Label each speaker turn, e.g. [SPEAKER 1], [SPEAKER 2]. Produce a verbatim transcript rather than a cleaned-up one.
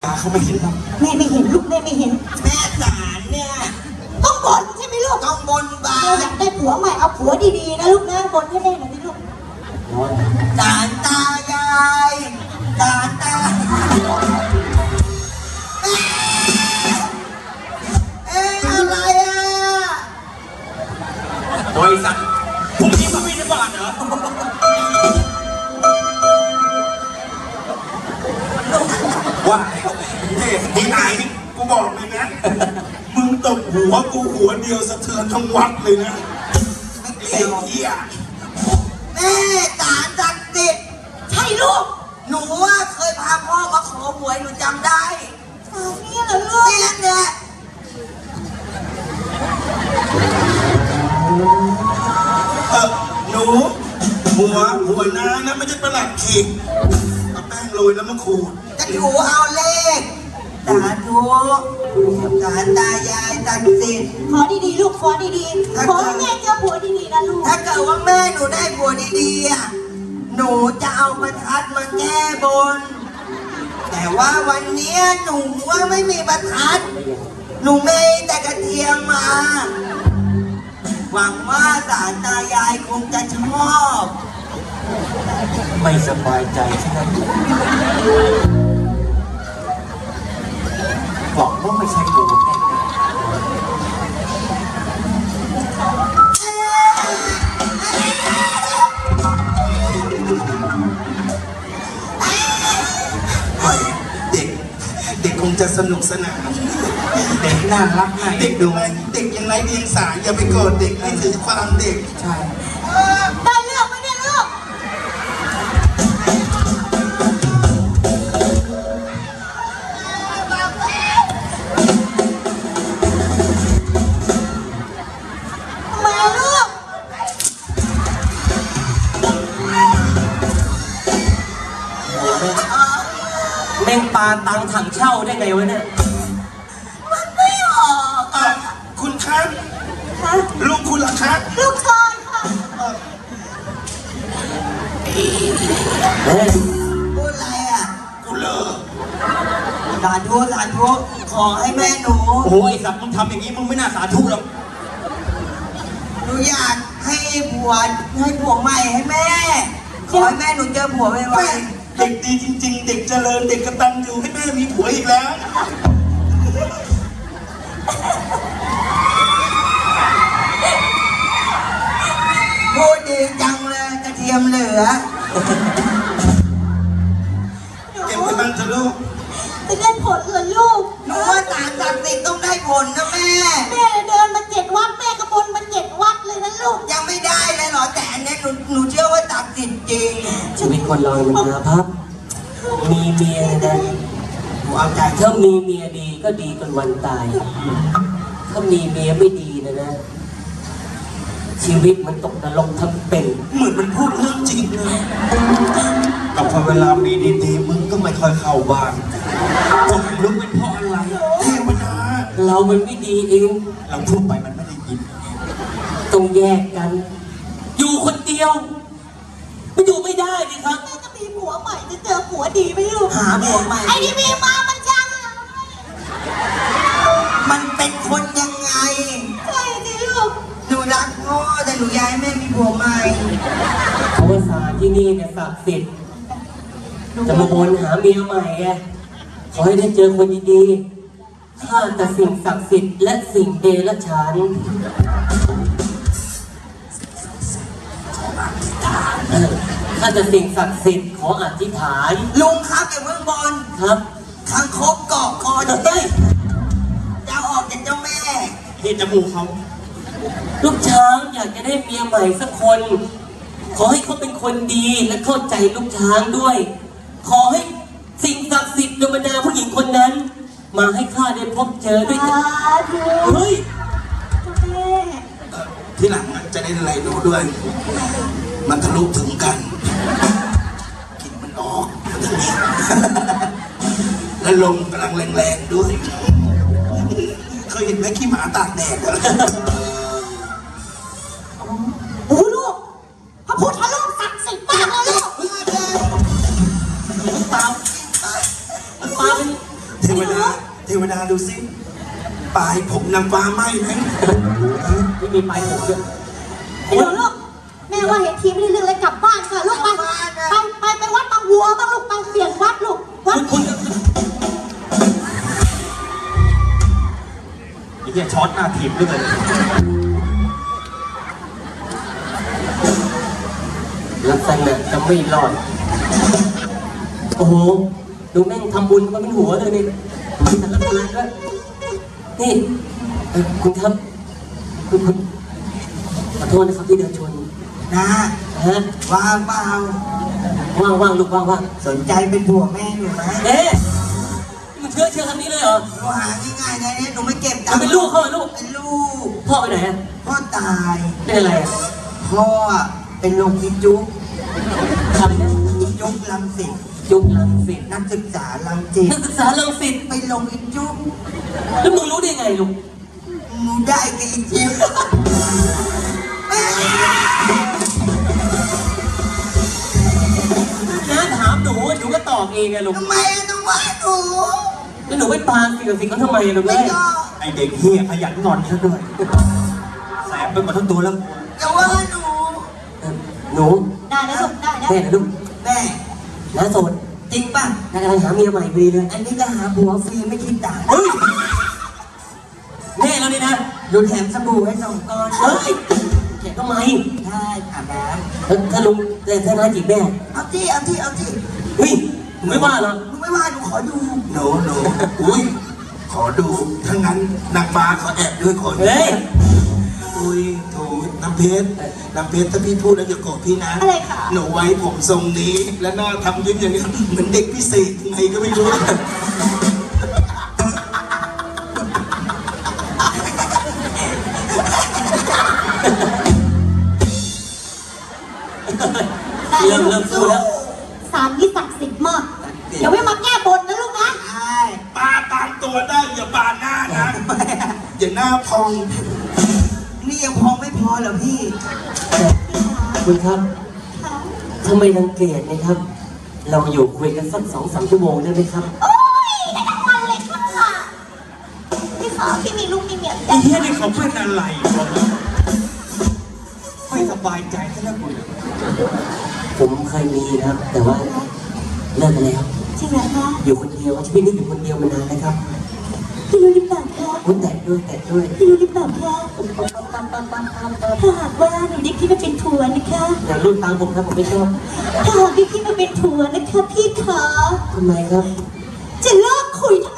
[SPEAKER 1] เขาไม่เห็นหรอก
[SPEAKER 2] แม่ไม่เห็นลูกแม่ไม่เห็น
[SPEAKER 3] แม่สารเนี่ย
[SPEAKER 2] ต้องบนใช่ไหมลูก
[SPEAKER 3] ต้องบนบา
[SPEAKER 2] เราอยากได้ผัวใหม่เอาผัวดีๆนะลูกนะบนให้แม่หน่อยสิลูก
[SPEAKER 3] สารตายายสารตาเอ๊ะอะไรอ่ะ
[SPEAKER 1] บริษัทพรุ่งนี้มึงมีในบ้านเหรอว่าเฮ้ยมึงไหนกูบอกเลยนะมึงตบหัวกูหัวเดียวสะเทือนทั้งวัดเลยนะไอ้เหี้ย
[SPEAKER 3] แม่สารศักดิ์สิทธิ์
[SPEAKER 2] ใช่ลูก
[SPEAKER 3] หนูว่าเคยพาพ่อมาขอหวยหนูจำได้
[SPEAKER 2] สาวนี่เหรอลูก
[SPEAKER 3] เนี่ยเนี่ย
[SPEAKER 1] เออหนูหัวหัวน้านะไม่ใช่ประหลัดขีดเอาแป้งโรยแล้วมาขูด
[SPEAKER 3] จะหนูเอาเลขสาธุสารตายายศักดิ์สิทธิ์
[SPEAKER 2] ขอดีๆลูกขอดีๆขอให้แม่เจอผัวดีๆนะลูก
[SPEAKER 3] ถ้าเกิดว่าแม่หนูได้ผัวดีๆอ่ะหนูจะเอาประทัดมาแก้บน แต่ว่าวันเนี้ยหนูว่าไม่มีประทัด หนูไม่แต่กระเทียมมา หวังว่าสารตายายคงจะชอบ
[SPEAKER 1] ไม่สบายใจใช่ไหมบอกว่าไม่ใช่กูแน่เด็กเด็กคงจะสนุกสนานเด็กน่ารักน่าเด็กดูเด็กยังไร้เดียงสาอย่าไปโกรธเด็กให้ถือความเด็กใช่
[SPEAKER 2] ได้เรื่องไหมเนี่ยลูกทำไมอะลูก
[SPEAKER 4] แม่งปลาตังถังเช่าได้ไงวะเนี่ย
[SPEAKER 3] มันไม่ออก
[SPEAKER 1] เอ่อคุณครับ
[SPEAKER 2] คะ
[SPEAKER 1] ลูกคุณล่ะครับ
[SPEAKER 2] ลูกกอนค่ะ
[SPEAKER 4] เฮ้ย
[SPEAKER 3] พูดอะไรอ่ะ
[SPEAKER 1] กูเลิก
[SPEAKER 3] สาธุสาธุขอให้แม่หนู
[SPEAKER 4] โอ้ยสัตว์มึงทำอย่างนี้มึงไม่น่าสาธุหรอก
[SPEAKER 3] หนูอยากให้ผัวให้ผัวใหม่ให้แม่ ขอให้แม่หนูเจอผัวไว
[SPEAKER 1] แม่เด็กดีจริง ๆ เด็กเจริญเด็กกระตันอยู่ให้แม่มีผัวอีกแล้ว
[SPEAKER 3] ๆพูดดีจังเลยกระเทียมเหลือ
[SPEAKER 1] เก็บไว้บ้างเถอะลูก
[SPEAKER 2] จะได้ผลเหรอลูก
[SPEAKER 3] หนูว่าสารศักดิ์สิทธิ์ต้องได้ผลนะแม่
[SPEAKER 2] แม่เดินมาเจ็ดวัดแม่กระบนมาเจ็ดวัดเลยนะลูก
[SPEAKER 3] ยังไม่ได้เลยเหรอแต่อันเนี้ยหนูหนูเชื่อว่าศักดิ์สิทธิ์จริง
[SPEAKER 4] ชีวิตคนเรามันมาพับ มีเมียนะ
[SPEAKER 3] หนูเอาใจ
[SPEAKER 4] ถ้ามีเมียดีก็ดีจนวันตาย ถ้ามีเมียไม่ดีนะนะ ชีวิตมันตกนรกทั้งเป็น
[SPEAKER 1] เหมือนมันพูดเรื่องจริงเลยแต่พอเวลามีดีๆมึงก็ไม่ค่อยเข้าบ้านบอกลูกเป็นเพราะอะไรเทวดา
[SPEAKER 4] เรามันไม่ดีเอง
[SPEAKER 1] เราพูดไปมันไม่ได้ยิน
[SPEAKER 4] ต้องแยกกัน อยู่คนเดียวไม่อยู่ไม่ได้ดิครับ
[SPEAKER 2] แม่จะมีผัวใหม่จะเจอผัวดีไหมลูก
[SPEAKER 3] หาผัวใหม่
[SPEAKER 2] ไอ้ที่มีมามันจังอะ
[SPEAKER 3] มันเป็นคนยังไง
[SPEAKER 2] ใช่สิลูก
[SPEAKER 3] หนูรักพ่อแต่หนูอยากให้แม่มีผัวใหม่
[SPEAKER 4] เขาว่าศาลที่นี่เนี่ยศักดิ์สิทธิ์จะมาบนหาเมียใหม่ไงขอให้ได้เจอคนดีๆข้าแต่สิ่งศักดิ์สิทธิ์และสิ่งเดรัจฉานเออข้าจะสิ่งศักดิ์สิทธิ์ขออธิษฐาน
[SPEAKER 3] ลุงครับอย่าเพิ่งบอล
[SPEAKER 4] ครับ
[SPEAKER 3] คังคกเกาะคอจะ
[SPEAKER 4] เฮ้ย
[SPEAKER 3] จะออกจากเจ้าแม่
[SPEAKER 1] เห็นจมูกเขา
[SPEAKER 4] ลูกช้างอยากจะได้เมียใหม่สักคน ขอให้เขาเป็นคนดีและเข้าใจลูกช้างด้วย ขอให้สิ่งศักดิ์สิทธิ์โดยบรรดาผู้หญิงคนนั้น มาให้ข้าได้พบเจอด้วยกัน
[SPEAKER 2] สาธุ
[SPEAKER 4] เฮ้ย
[SPEAKER 2] แม่
[SPEAKER 1] เอ่อที่หลังอะจะได้อะไรดูด้วย มันทะลุถึงกันกลินมันออกมาถึงนี้ และลมกำลังแรงๆด้วยเคยเห็นไหมขี้หมาตากแดดอะ
[SPEAKER 2] โอ้ลูกพระพุทธรูปศักดิ์สิทธิ์มากเลยลูก
[SPEAKER 4] ตามตามเป็น
[SPEAKER 1] เทวดาเทวดาดูสิปลายผมนางฟ้าไหมไหม
[SPEAKER 4] ไม่มีไปผมด้วย
[SPEAKER 2] ไอ้หนูลูกแม่ว่าเห็นทีไม่ได้เรื่องเลยกลับบ้านค่ะลูกไปไปไปไปวัดบางวัวบ้างลูกไปเปลี่ยนวัดลูกวัด
[SPEAKER 4] คุณ
[SPEAKER 5] ไอ้เหี้ยช็อตหน้าถีบด้วยเลย
[SPEAKER 4] ลักษณะจะไม่รอด โอ้โห ดูแม่งทำบุญมาเป็นหัวเลยนี่สังฆทานด้วยนี่เอ่อคุณครับ คุณคุณขอโทษนะครับที่เดินชน
[SPEAKER 3] นะ
[SPEAKER 4] ฮะ
[SPEAKER 3] ว่างเปล่า
[SPEAKER 4] ว่างว่างลูกว่างว่าง
[SPEAKER 3] สนใจเป็นผัวแม่อยู่ไหม
[SPEAKER 4] เอ๊ะนี่มันเชื่อเชื่อคำนี้เลยเหรอ
[SPEAKER 3] หนูหาง่ายๆนะเนี่ยหนูไม่เก็บตั
[SPEAKER 4] มั
[SPEAKER 3] ง
[SPEAKER 4] น
[SPEAKER 3] ค์
[SPEAKER 4] เป็นลูกเขาเหรอลูก
[SPEAKER 3] เป็นลูก
[SPEAKER 4] พ่อไปไหนอะ
[SPEAKER 3] พ่อตาย
[SPEAKER 4] เป็นอะไรอะ
[SPEAKER 3] พ่อเป็นโรคพิจุก
[SPEAKER 4] ทำเนี่ย
[SPEAKER 3] จุกลังสิต
[SPEAKER 4] ยุคลังสิต
[SPEAKER 3] นักศึกษาลังจิต
[SPEAKER 4] นักศึกษาลังสิต
[SPEAKER 3] ไปลงอิจุก
[SPEAKER 4] แล้วมึงรู้ได้ไงลูก
[SPEAKER 3] หนูได้กับอิจุก
[SPEAKER 4] น้าถามหนูหนูก็ตอบเองไงลูก
[SPEAKER 3] ทำไมต้องว่าหนู
[SPEAKER 4] แล้วหนูไปปาสิ่งกับสิ่งเขาทำไมอะลูก
[SPEAKER 3] ไม่
[SPEAKER 4] เอ้ย
[SPEAKER 3] ยอม
[SPEAKER 5] ไอเด็กเฮียขยันงอนซะด้วยแสบไปหมดทั้งตัวแล้ว
[SPEAKER 3] อย่าว่าหนู
[SPEAKER 4] เออหนู
[SPEAKER 2] ได้นะลูกได้นะ
[SPEAKER 4] แม่นะลูก
[SPEAKER 3] แม่
[SPEAKER 4] น้าโสด
[SPEAKER 3] จริงป่ะ
[SPEAKER 4] น้ากำลังหาเมียใหม่พอดีเลย
[SPEAKER 3] อันนี้ก็หาผัวฟรีไม่คิดตังค์
[SPEAKER 4] เฮ้ยแน่แล้วนี่นะ
[SPEAKER 3] ดูแถมสบู่ให้สองก้อน
[SPEAKER 4] เฮ้ยแกทำไม
[SPEAKER 3] ได้อาบน้
[SPEAKER 4] แล้วถ้าลุงแต่ถ้าน้าจีบแม่
[SPEAKER 3] ำเอาที่เอาที่เอาที่
[SPEAKER 4] เฮ้ยหนูไม่ว่าหรอก
[SPEAKER 3] หนูไม่ว่าหนูขอดู
[SPEAKER 1] หนูหนูอุ้ยขอดูถ้างั้นนางฟ้าเขาแอบด้วยคน
[SPEAKER 4] เฮ้ย
[SPEAKER 1] อุ้ยโถน้ำเพชรน้ำเพชรถ้าพี่พูดแล้วอย่าโกรธพี่นะ
[SPEAKER 2] อะไรคะ
[SPEAKER 1] หนูไว้ผมทรงนี้ และหน้าทำยิ้มอย่างนี้เหมือนเด็กพิเศษยังไงก็ไม่รู้
[SPEAKER 4] เริ่มเริ่มสู้แล้ว
[SPEAKER 2] สารนี้ศักดิ์สิทธิ์มากเดี๋ยวไม่มาแก้บนนะลูกนะ
[SPEAKER 3] ใช่
[SPEAKER 1] ปาตามตัวได้อย่าปาหน้านะอย่าหน้าพอง
[SPEAKER 3] นี่ยังพอไม่พอเหรอพี่
[SPEAKER 4] คุณครับ
[SPEAKER 2] ค่ะ
[SPEAKER 4] ทำไมรังเกียจนะครับ เราอยู่คุยกันสักสองสามชั่วโมงได้ไหมครับ
[SPEAKER 2] โอ้ยได้ทั้งวันเลยค่ะพี่ขาพี่มีลูกมีเมีย
[SPEAKER 5] ไอ้เฮียนี่เขาเป็นอะไรวะไม่สบายใจซะแล้วกู
[SPEAKER 4] ผมเคยมีนะครับ แต่ว่าเลิกไปแล้ว
[SPEAKER 2] จริงเหรอคะ
[SPEAKER 4] อยู่คนเดียวชีวิตนี้อยู่คนเดียวมานานแล้วครับ
[SPEAKER 2] พี่รู้หรือเปล่าคะ
[SPEAKER 4] คุณแตะด้วยแตะด้วย
[SPEAKER 2] พี่รู้หรือเปล่าคะถ้าหากว่าหนูได้พี่มาเป็นผัวนะคะ
[SPEAKER 4] อย่ารุ่นตามผมครับผมไม่ชอบ
[SPEAKER 2] ถ้าหากได้พี่มาเป็นผัวนะคะพี่ขา
[SPEAKER 4] ทำไมครับ
[SPEAKER 2] จะเลิกคุยทั้ง